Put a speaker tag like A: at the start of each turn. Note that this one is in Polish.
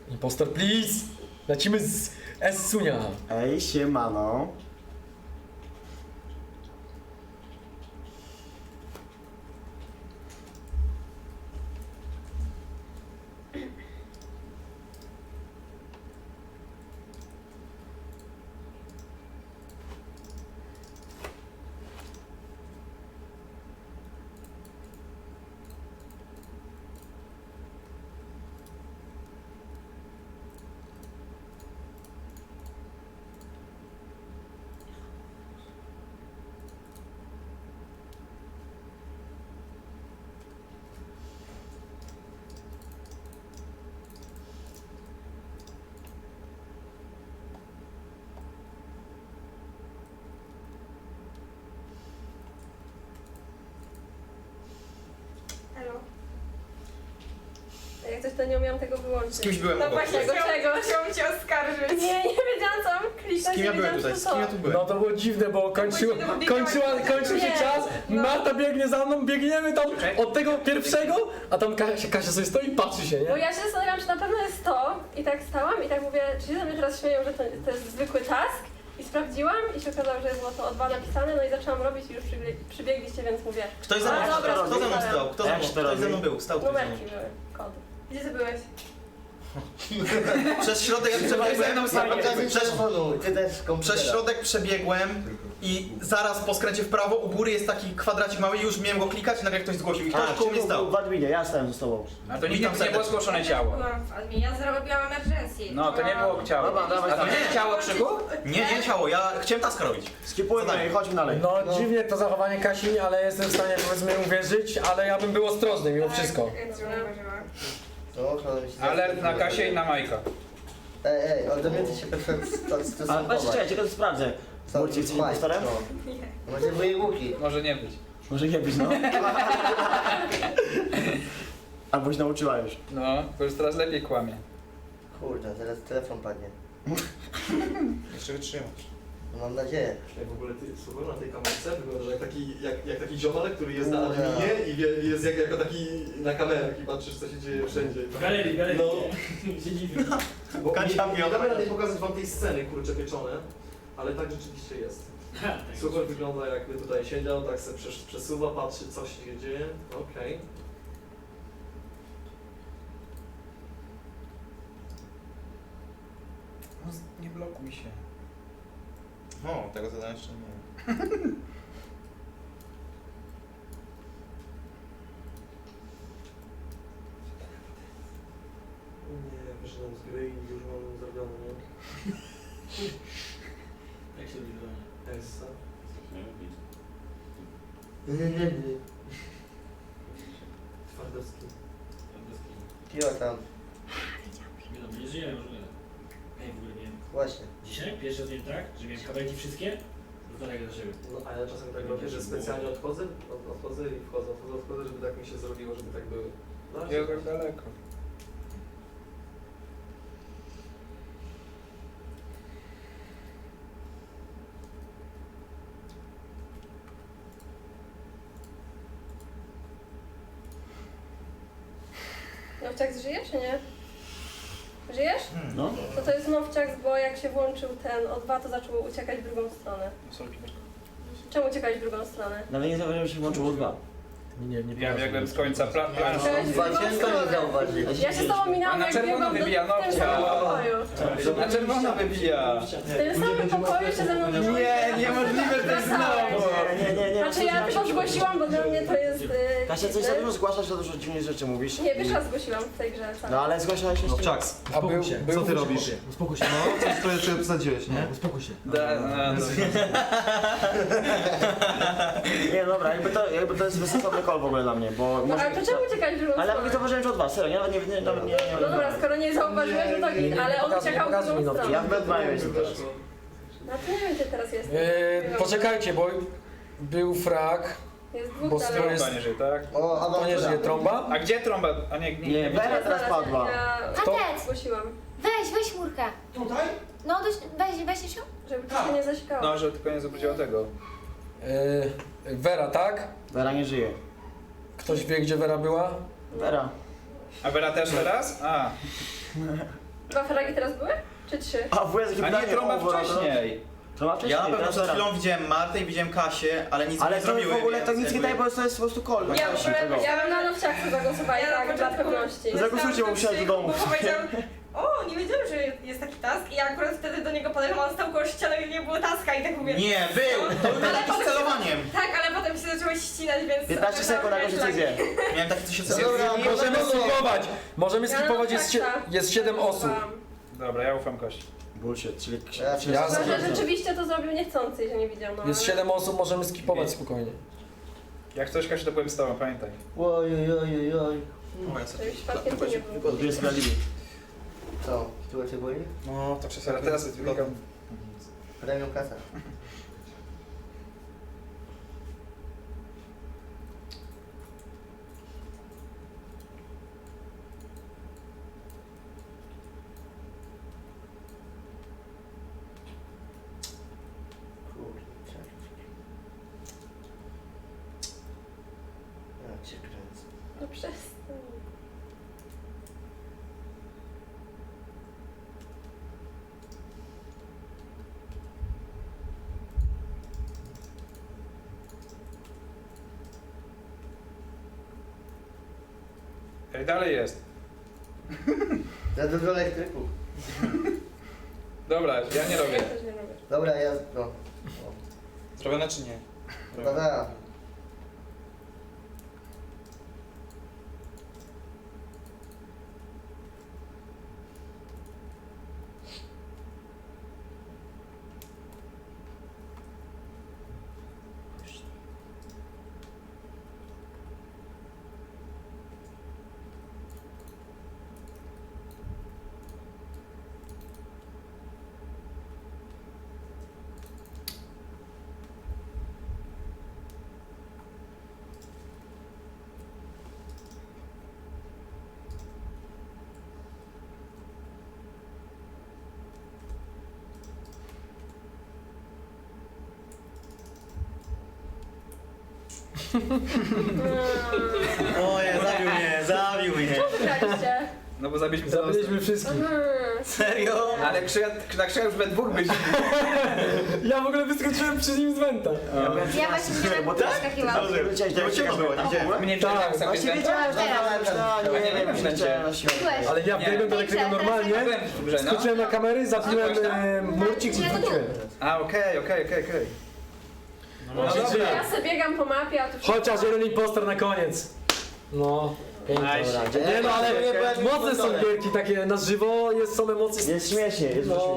A: Impostor, please! Lecimy z S-Sunia.
B: Ej, siemano.
C: Jak coś to nie umiałam tego wyłączyć.
D: Z kimś byłem
C: No
D: obok.
C: właśnie, czego?
E: Chciałam cię oskarżyć.
C: Nie wiedziałam co mam kliknąć.
D: Z kim ja
C: nie
D: byłem
C: wiedziałam,
D: tutaj?
C: co
D: Z kim ja
C: to.
D: tu byłem?
A: No to było dziwne, bo kończył się
C: Nie,
A: czas,
E: no.
A: Marta biegnie za mną, biegniemy tam od tego pierwszego, a tam Kasia sobie stoi i patrzy się,
C: Bo
A: nie?
C: ja się zastanawiałam, czy na pewno jest to i tak stałam i tak mówię, czy się ze mnie teraz śmieją, że to jest zwykły task i sprawdziłam i się okazało, że było to o 2 napisane, no i zaczęłam robić i już przybiegliście, więc mówię.
D: Ktoś ze mną,
C: A, dobra,
D: kto ze mną
C: zostawiam.
D: stał? Ktoś ze mną był, stał ktoś ze mną.
C: Numerki były, kod.
E: Gdzie ty byłeś?
D: Przez środek jak przebiegłem, przez środek przebiegłem i zaraz po skręcie w prawo u góry jest taki kwadracik mały i już miałem go klikać i nagle ktoś zgłosił i ktoś koło mnie stał.
B: w adminie, ja stałem ze tobą.
F: A to nie było zgłoszone ciało.
E: Byłam w adminie, ja zrobiłam emergency.
F: No to nie było ciało.
B: Dobra, dawaj,
F: A to
B: dawaj.
F: nie ciało Krzyku?
D: Nie ciało, ja chciałem taska robić.
B: Skipujmy i chodźmy dalej.
A: No dziwnie to zachowanie Kasi, ale jestem w stanie powiedzmy uwierzyć, ale ja bym był ostrożny mimo wszystko.
F: Alert na Kasię i na Majka.
G: Ej, ale dowiedzcie się
B: Ale patrzcie,
G: stosunkować.
B: czekaj, tylko to sprawdzę. Murci, jesteś impostorem?
G: Nie. Macie dwoje łuki.
F: Może nie być.
B: Może nie być, no. Albo się nauczyła już.
F: No, bo już teraz lepiej kłamie.
G: Kurde, zaraz telefon padnie.
D: Jeszcze wytrzymać.
G: No, mam nadzieję.
H: W ogóle ty słuchaj, na tej kamerce wygląda jak taki ziomal, który jest na adminie i jest jako taki na kamerach i patrzysz co się dzieje wszędzie.
I: W galerii.
H: No.
I: Się dziwię.
H: Bo
D: Kasia
H: nie
D: miała-
H: kamera nie pokazać wam tej sceny kurczę pieczone, ale tak rzeczywiście jest. Super wygląda jakby tutaj siedział, tak sobie przesuwa, patrzy co się dzieje. Okej.
F: No, nie blokuj się.
D: O, tego zadania jeszcze nie.
H: Nie, wyszedłem z gry i już mam zrobione, nie?
I: Jak się wygląda?
H: Essa. Twardowski.
G: Kiła tam.
I: Nie no, nie żyjemy, może nie. Ej, w ogóle wiem.
G: Właśnie.
I: Dzisiaj pierwszy raz wiem tak, że miałem kabelki wszystkie, no to tak do siebie.
H: No, a ja czasem tak robię, że specjalnie odchodzę i wchodzę, żeby tak mi się zrobiło, żeby tak były. No,
F: Ja tak daleko.
C: Nowciak żyje czy nie? Żyjesz?
B: No.
C: To jest Nowciak, bo jak się włączył ten O2, to zaczął uciekać w drugą stronę. Czemu uciekać w drugą stronę?
B: Nawet nie zauważyłem, że się włączyło dwa.
A: Nie
F: Ja biegłem z końca planszy.
G: Ciężko nie zauważyć.
C: Ja się z tobą minęłam,
F: A na
C: jak
F: czerwono
C: biegłam
F: wybija
C: w tym
F: Nowcia.
C: samym pokoju.
F: Na czerwono wybija.
C: W tym samym pokoju się ze mną
F: Nie, niemożliwe, to jest znowu.
B: Nie.
C: Znaczy ja tylko zgłosiłam, bo dla mnie to jest...
B: Kasia, coś za dużo zgłaszasz, za dużo dziwnych rzeczy mówisz.
C: Nie, pierwszy raz zgłosiłam w tej grze.
B: No ale zgłaszałeś jeszcze...
D: Czaks,
A: A był,
H: co ty robisz?
A: Uspokój się.
H: No, coś to jeszcze obsadziłeś, nie?
A: Uspokój się.
B: Nie, dobra, jakby to jest wysokowny call w ogóle dla mnie, bo
C: No ale to czemu uciekać w drugą
B: Ale ja
C: stronę?
B: nie zauważyłem, że od was, serio, nie.
C: No dobra, skoro nie zauważyłeś, to git, ale on uciekał w
A: pokazuj mi
C: drugą
A: Nowcia.
B: Ja
C: stronę.
B: w Bedmaju jestem teraz.
C: No to nie wiem, gdzie teraz jest.
A: Poczekajcie, bo był frag,
C: Jest dwóch
A: bo
C: dalej.
A: jest...
F: Trąba nie żyje, tak?
G: O,
A: To nie żyje
G: awantura.
A: trąba?
F: A gdzie trąba? A nie,
B: Nie, Vera teraz padła.
C: Ja
J: Patec!
C: zgłosiłam,
J: Weź murkę.
H: Tutaj?
J: No, weź się.
C: żeby to się nie zasikało.
F: No, że tylko nie zobaczyła tego.
A: Vera, tak?
B: Vera nie żyje.
A: Ktoś wie, gdzie Vera była?
B: Vera.
F: A Vera też teraz? A.
C: 2 fragi teraz były? Czy 3?
B: A WS jakie
F: A nie, trąba wcześniej.
B: Trąba wcześniej,
D: Ja na pewno
B: teraz
D: przed
B: dobra.
D: chwilą widziałem Martę i widziałem Kasię, ale nic mi
B: Ale
D: nie
B: to
D: zrobiły.
B: w ogóle
D: więc
B: to nic nie
D: jakby-
B: daje, bo to jest po prostu kol.
E: Ja w ogóle
C: Ja bym na nowciach zagłosowała
E: Ja na
C: tak, dla
E: początku-
C: pewności.
B: Zagłosujcie, bo musiałem do domu.
E: Bo powiedziałam, o, nie wiedziałam, że jest taki task i ja akurat wtedy do niego podeszłam, on stał koło ściany i nie było taska i tak mówię...
D: Nie, był! To był
E: Ale
D: taki z
E: potem-
D: celowaniem.
E: Tak, ale potem się zaczęło ścinać, więc...
B: 15 sekund na końcu decyzję.
D: Miałem takie, co się
A: Możemy skipować. Możemy
C: Ja na
A: skipować,
C: nowciach
A: jest 7 osób.
C: zagłosowałam.
F: Dobra, ja ufam Kości.
B: Bullshit, czyli...
A: Ja
C: Chyba, że rzeczywiście to zrobił niechcący, że nie widział, no
A: Jest
C: ale-
A: 7 osób, możemy skipować spokojnie.
F: Jak coś, Kasiu, to powiem z tobą, pamiętaj.
G: Oj.
C: Żeby przypadkiem to nie było.
B: Tu jest sprawiedliwy.
G: Co? Tyłek się boi?
D: No, to przez
F: Ale teraz jest wyglądam.
G: Premium kasa. Kurczę. Ja cię kręcę.
C: No przestań.
F: Ej, dalej jest.
G: Za dużo elektryków.
F: Dobra, ja nie robię.
C: Ja też nie robię.
G: Dobra, ja... No.
D: Zrobione czy nie?
G: Chyba da.
D: Oje, zabił mnie.
C: Co wygraliście?
F: No bo zabiliśmy całą
A: Zabiliśmy wszystkich.
D: Serio?
F: Ale na krzyja już we dwóch byliśmy.
A: Ja w ogóle wyskoczyłem przy nim z Wenta.
J: Ja właśnie widziałam,
B: Bo
J: jak
B: tak?
J: wyskakiwałam.
D: Bo ciemno było, nie widziałem.
F: Mnie
A: Tak,
F: tak,
B: Właśnie wiedziałem, że
F: Ja nie wiem, że
B: chciałem na siłę.
J: Byłeś.
A: Ale ja wbiegłem do elektryka normalnie, skoczyłem na kamery, zabiłem murcik i wróciłem.
F: A, okej.
A: No,
C: Ja sobie biegam po mapie, a tu
A: chociaż jeden impostor na koniec. No, pięknie.
F: Nice.
A: Nie no, ale mocne są gierki takie na żywo, są emocje.
B: Jest śmiesznie, jest
A: No.
B: śmiesznie.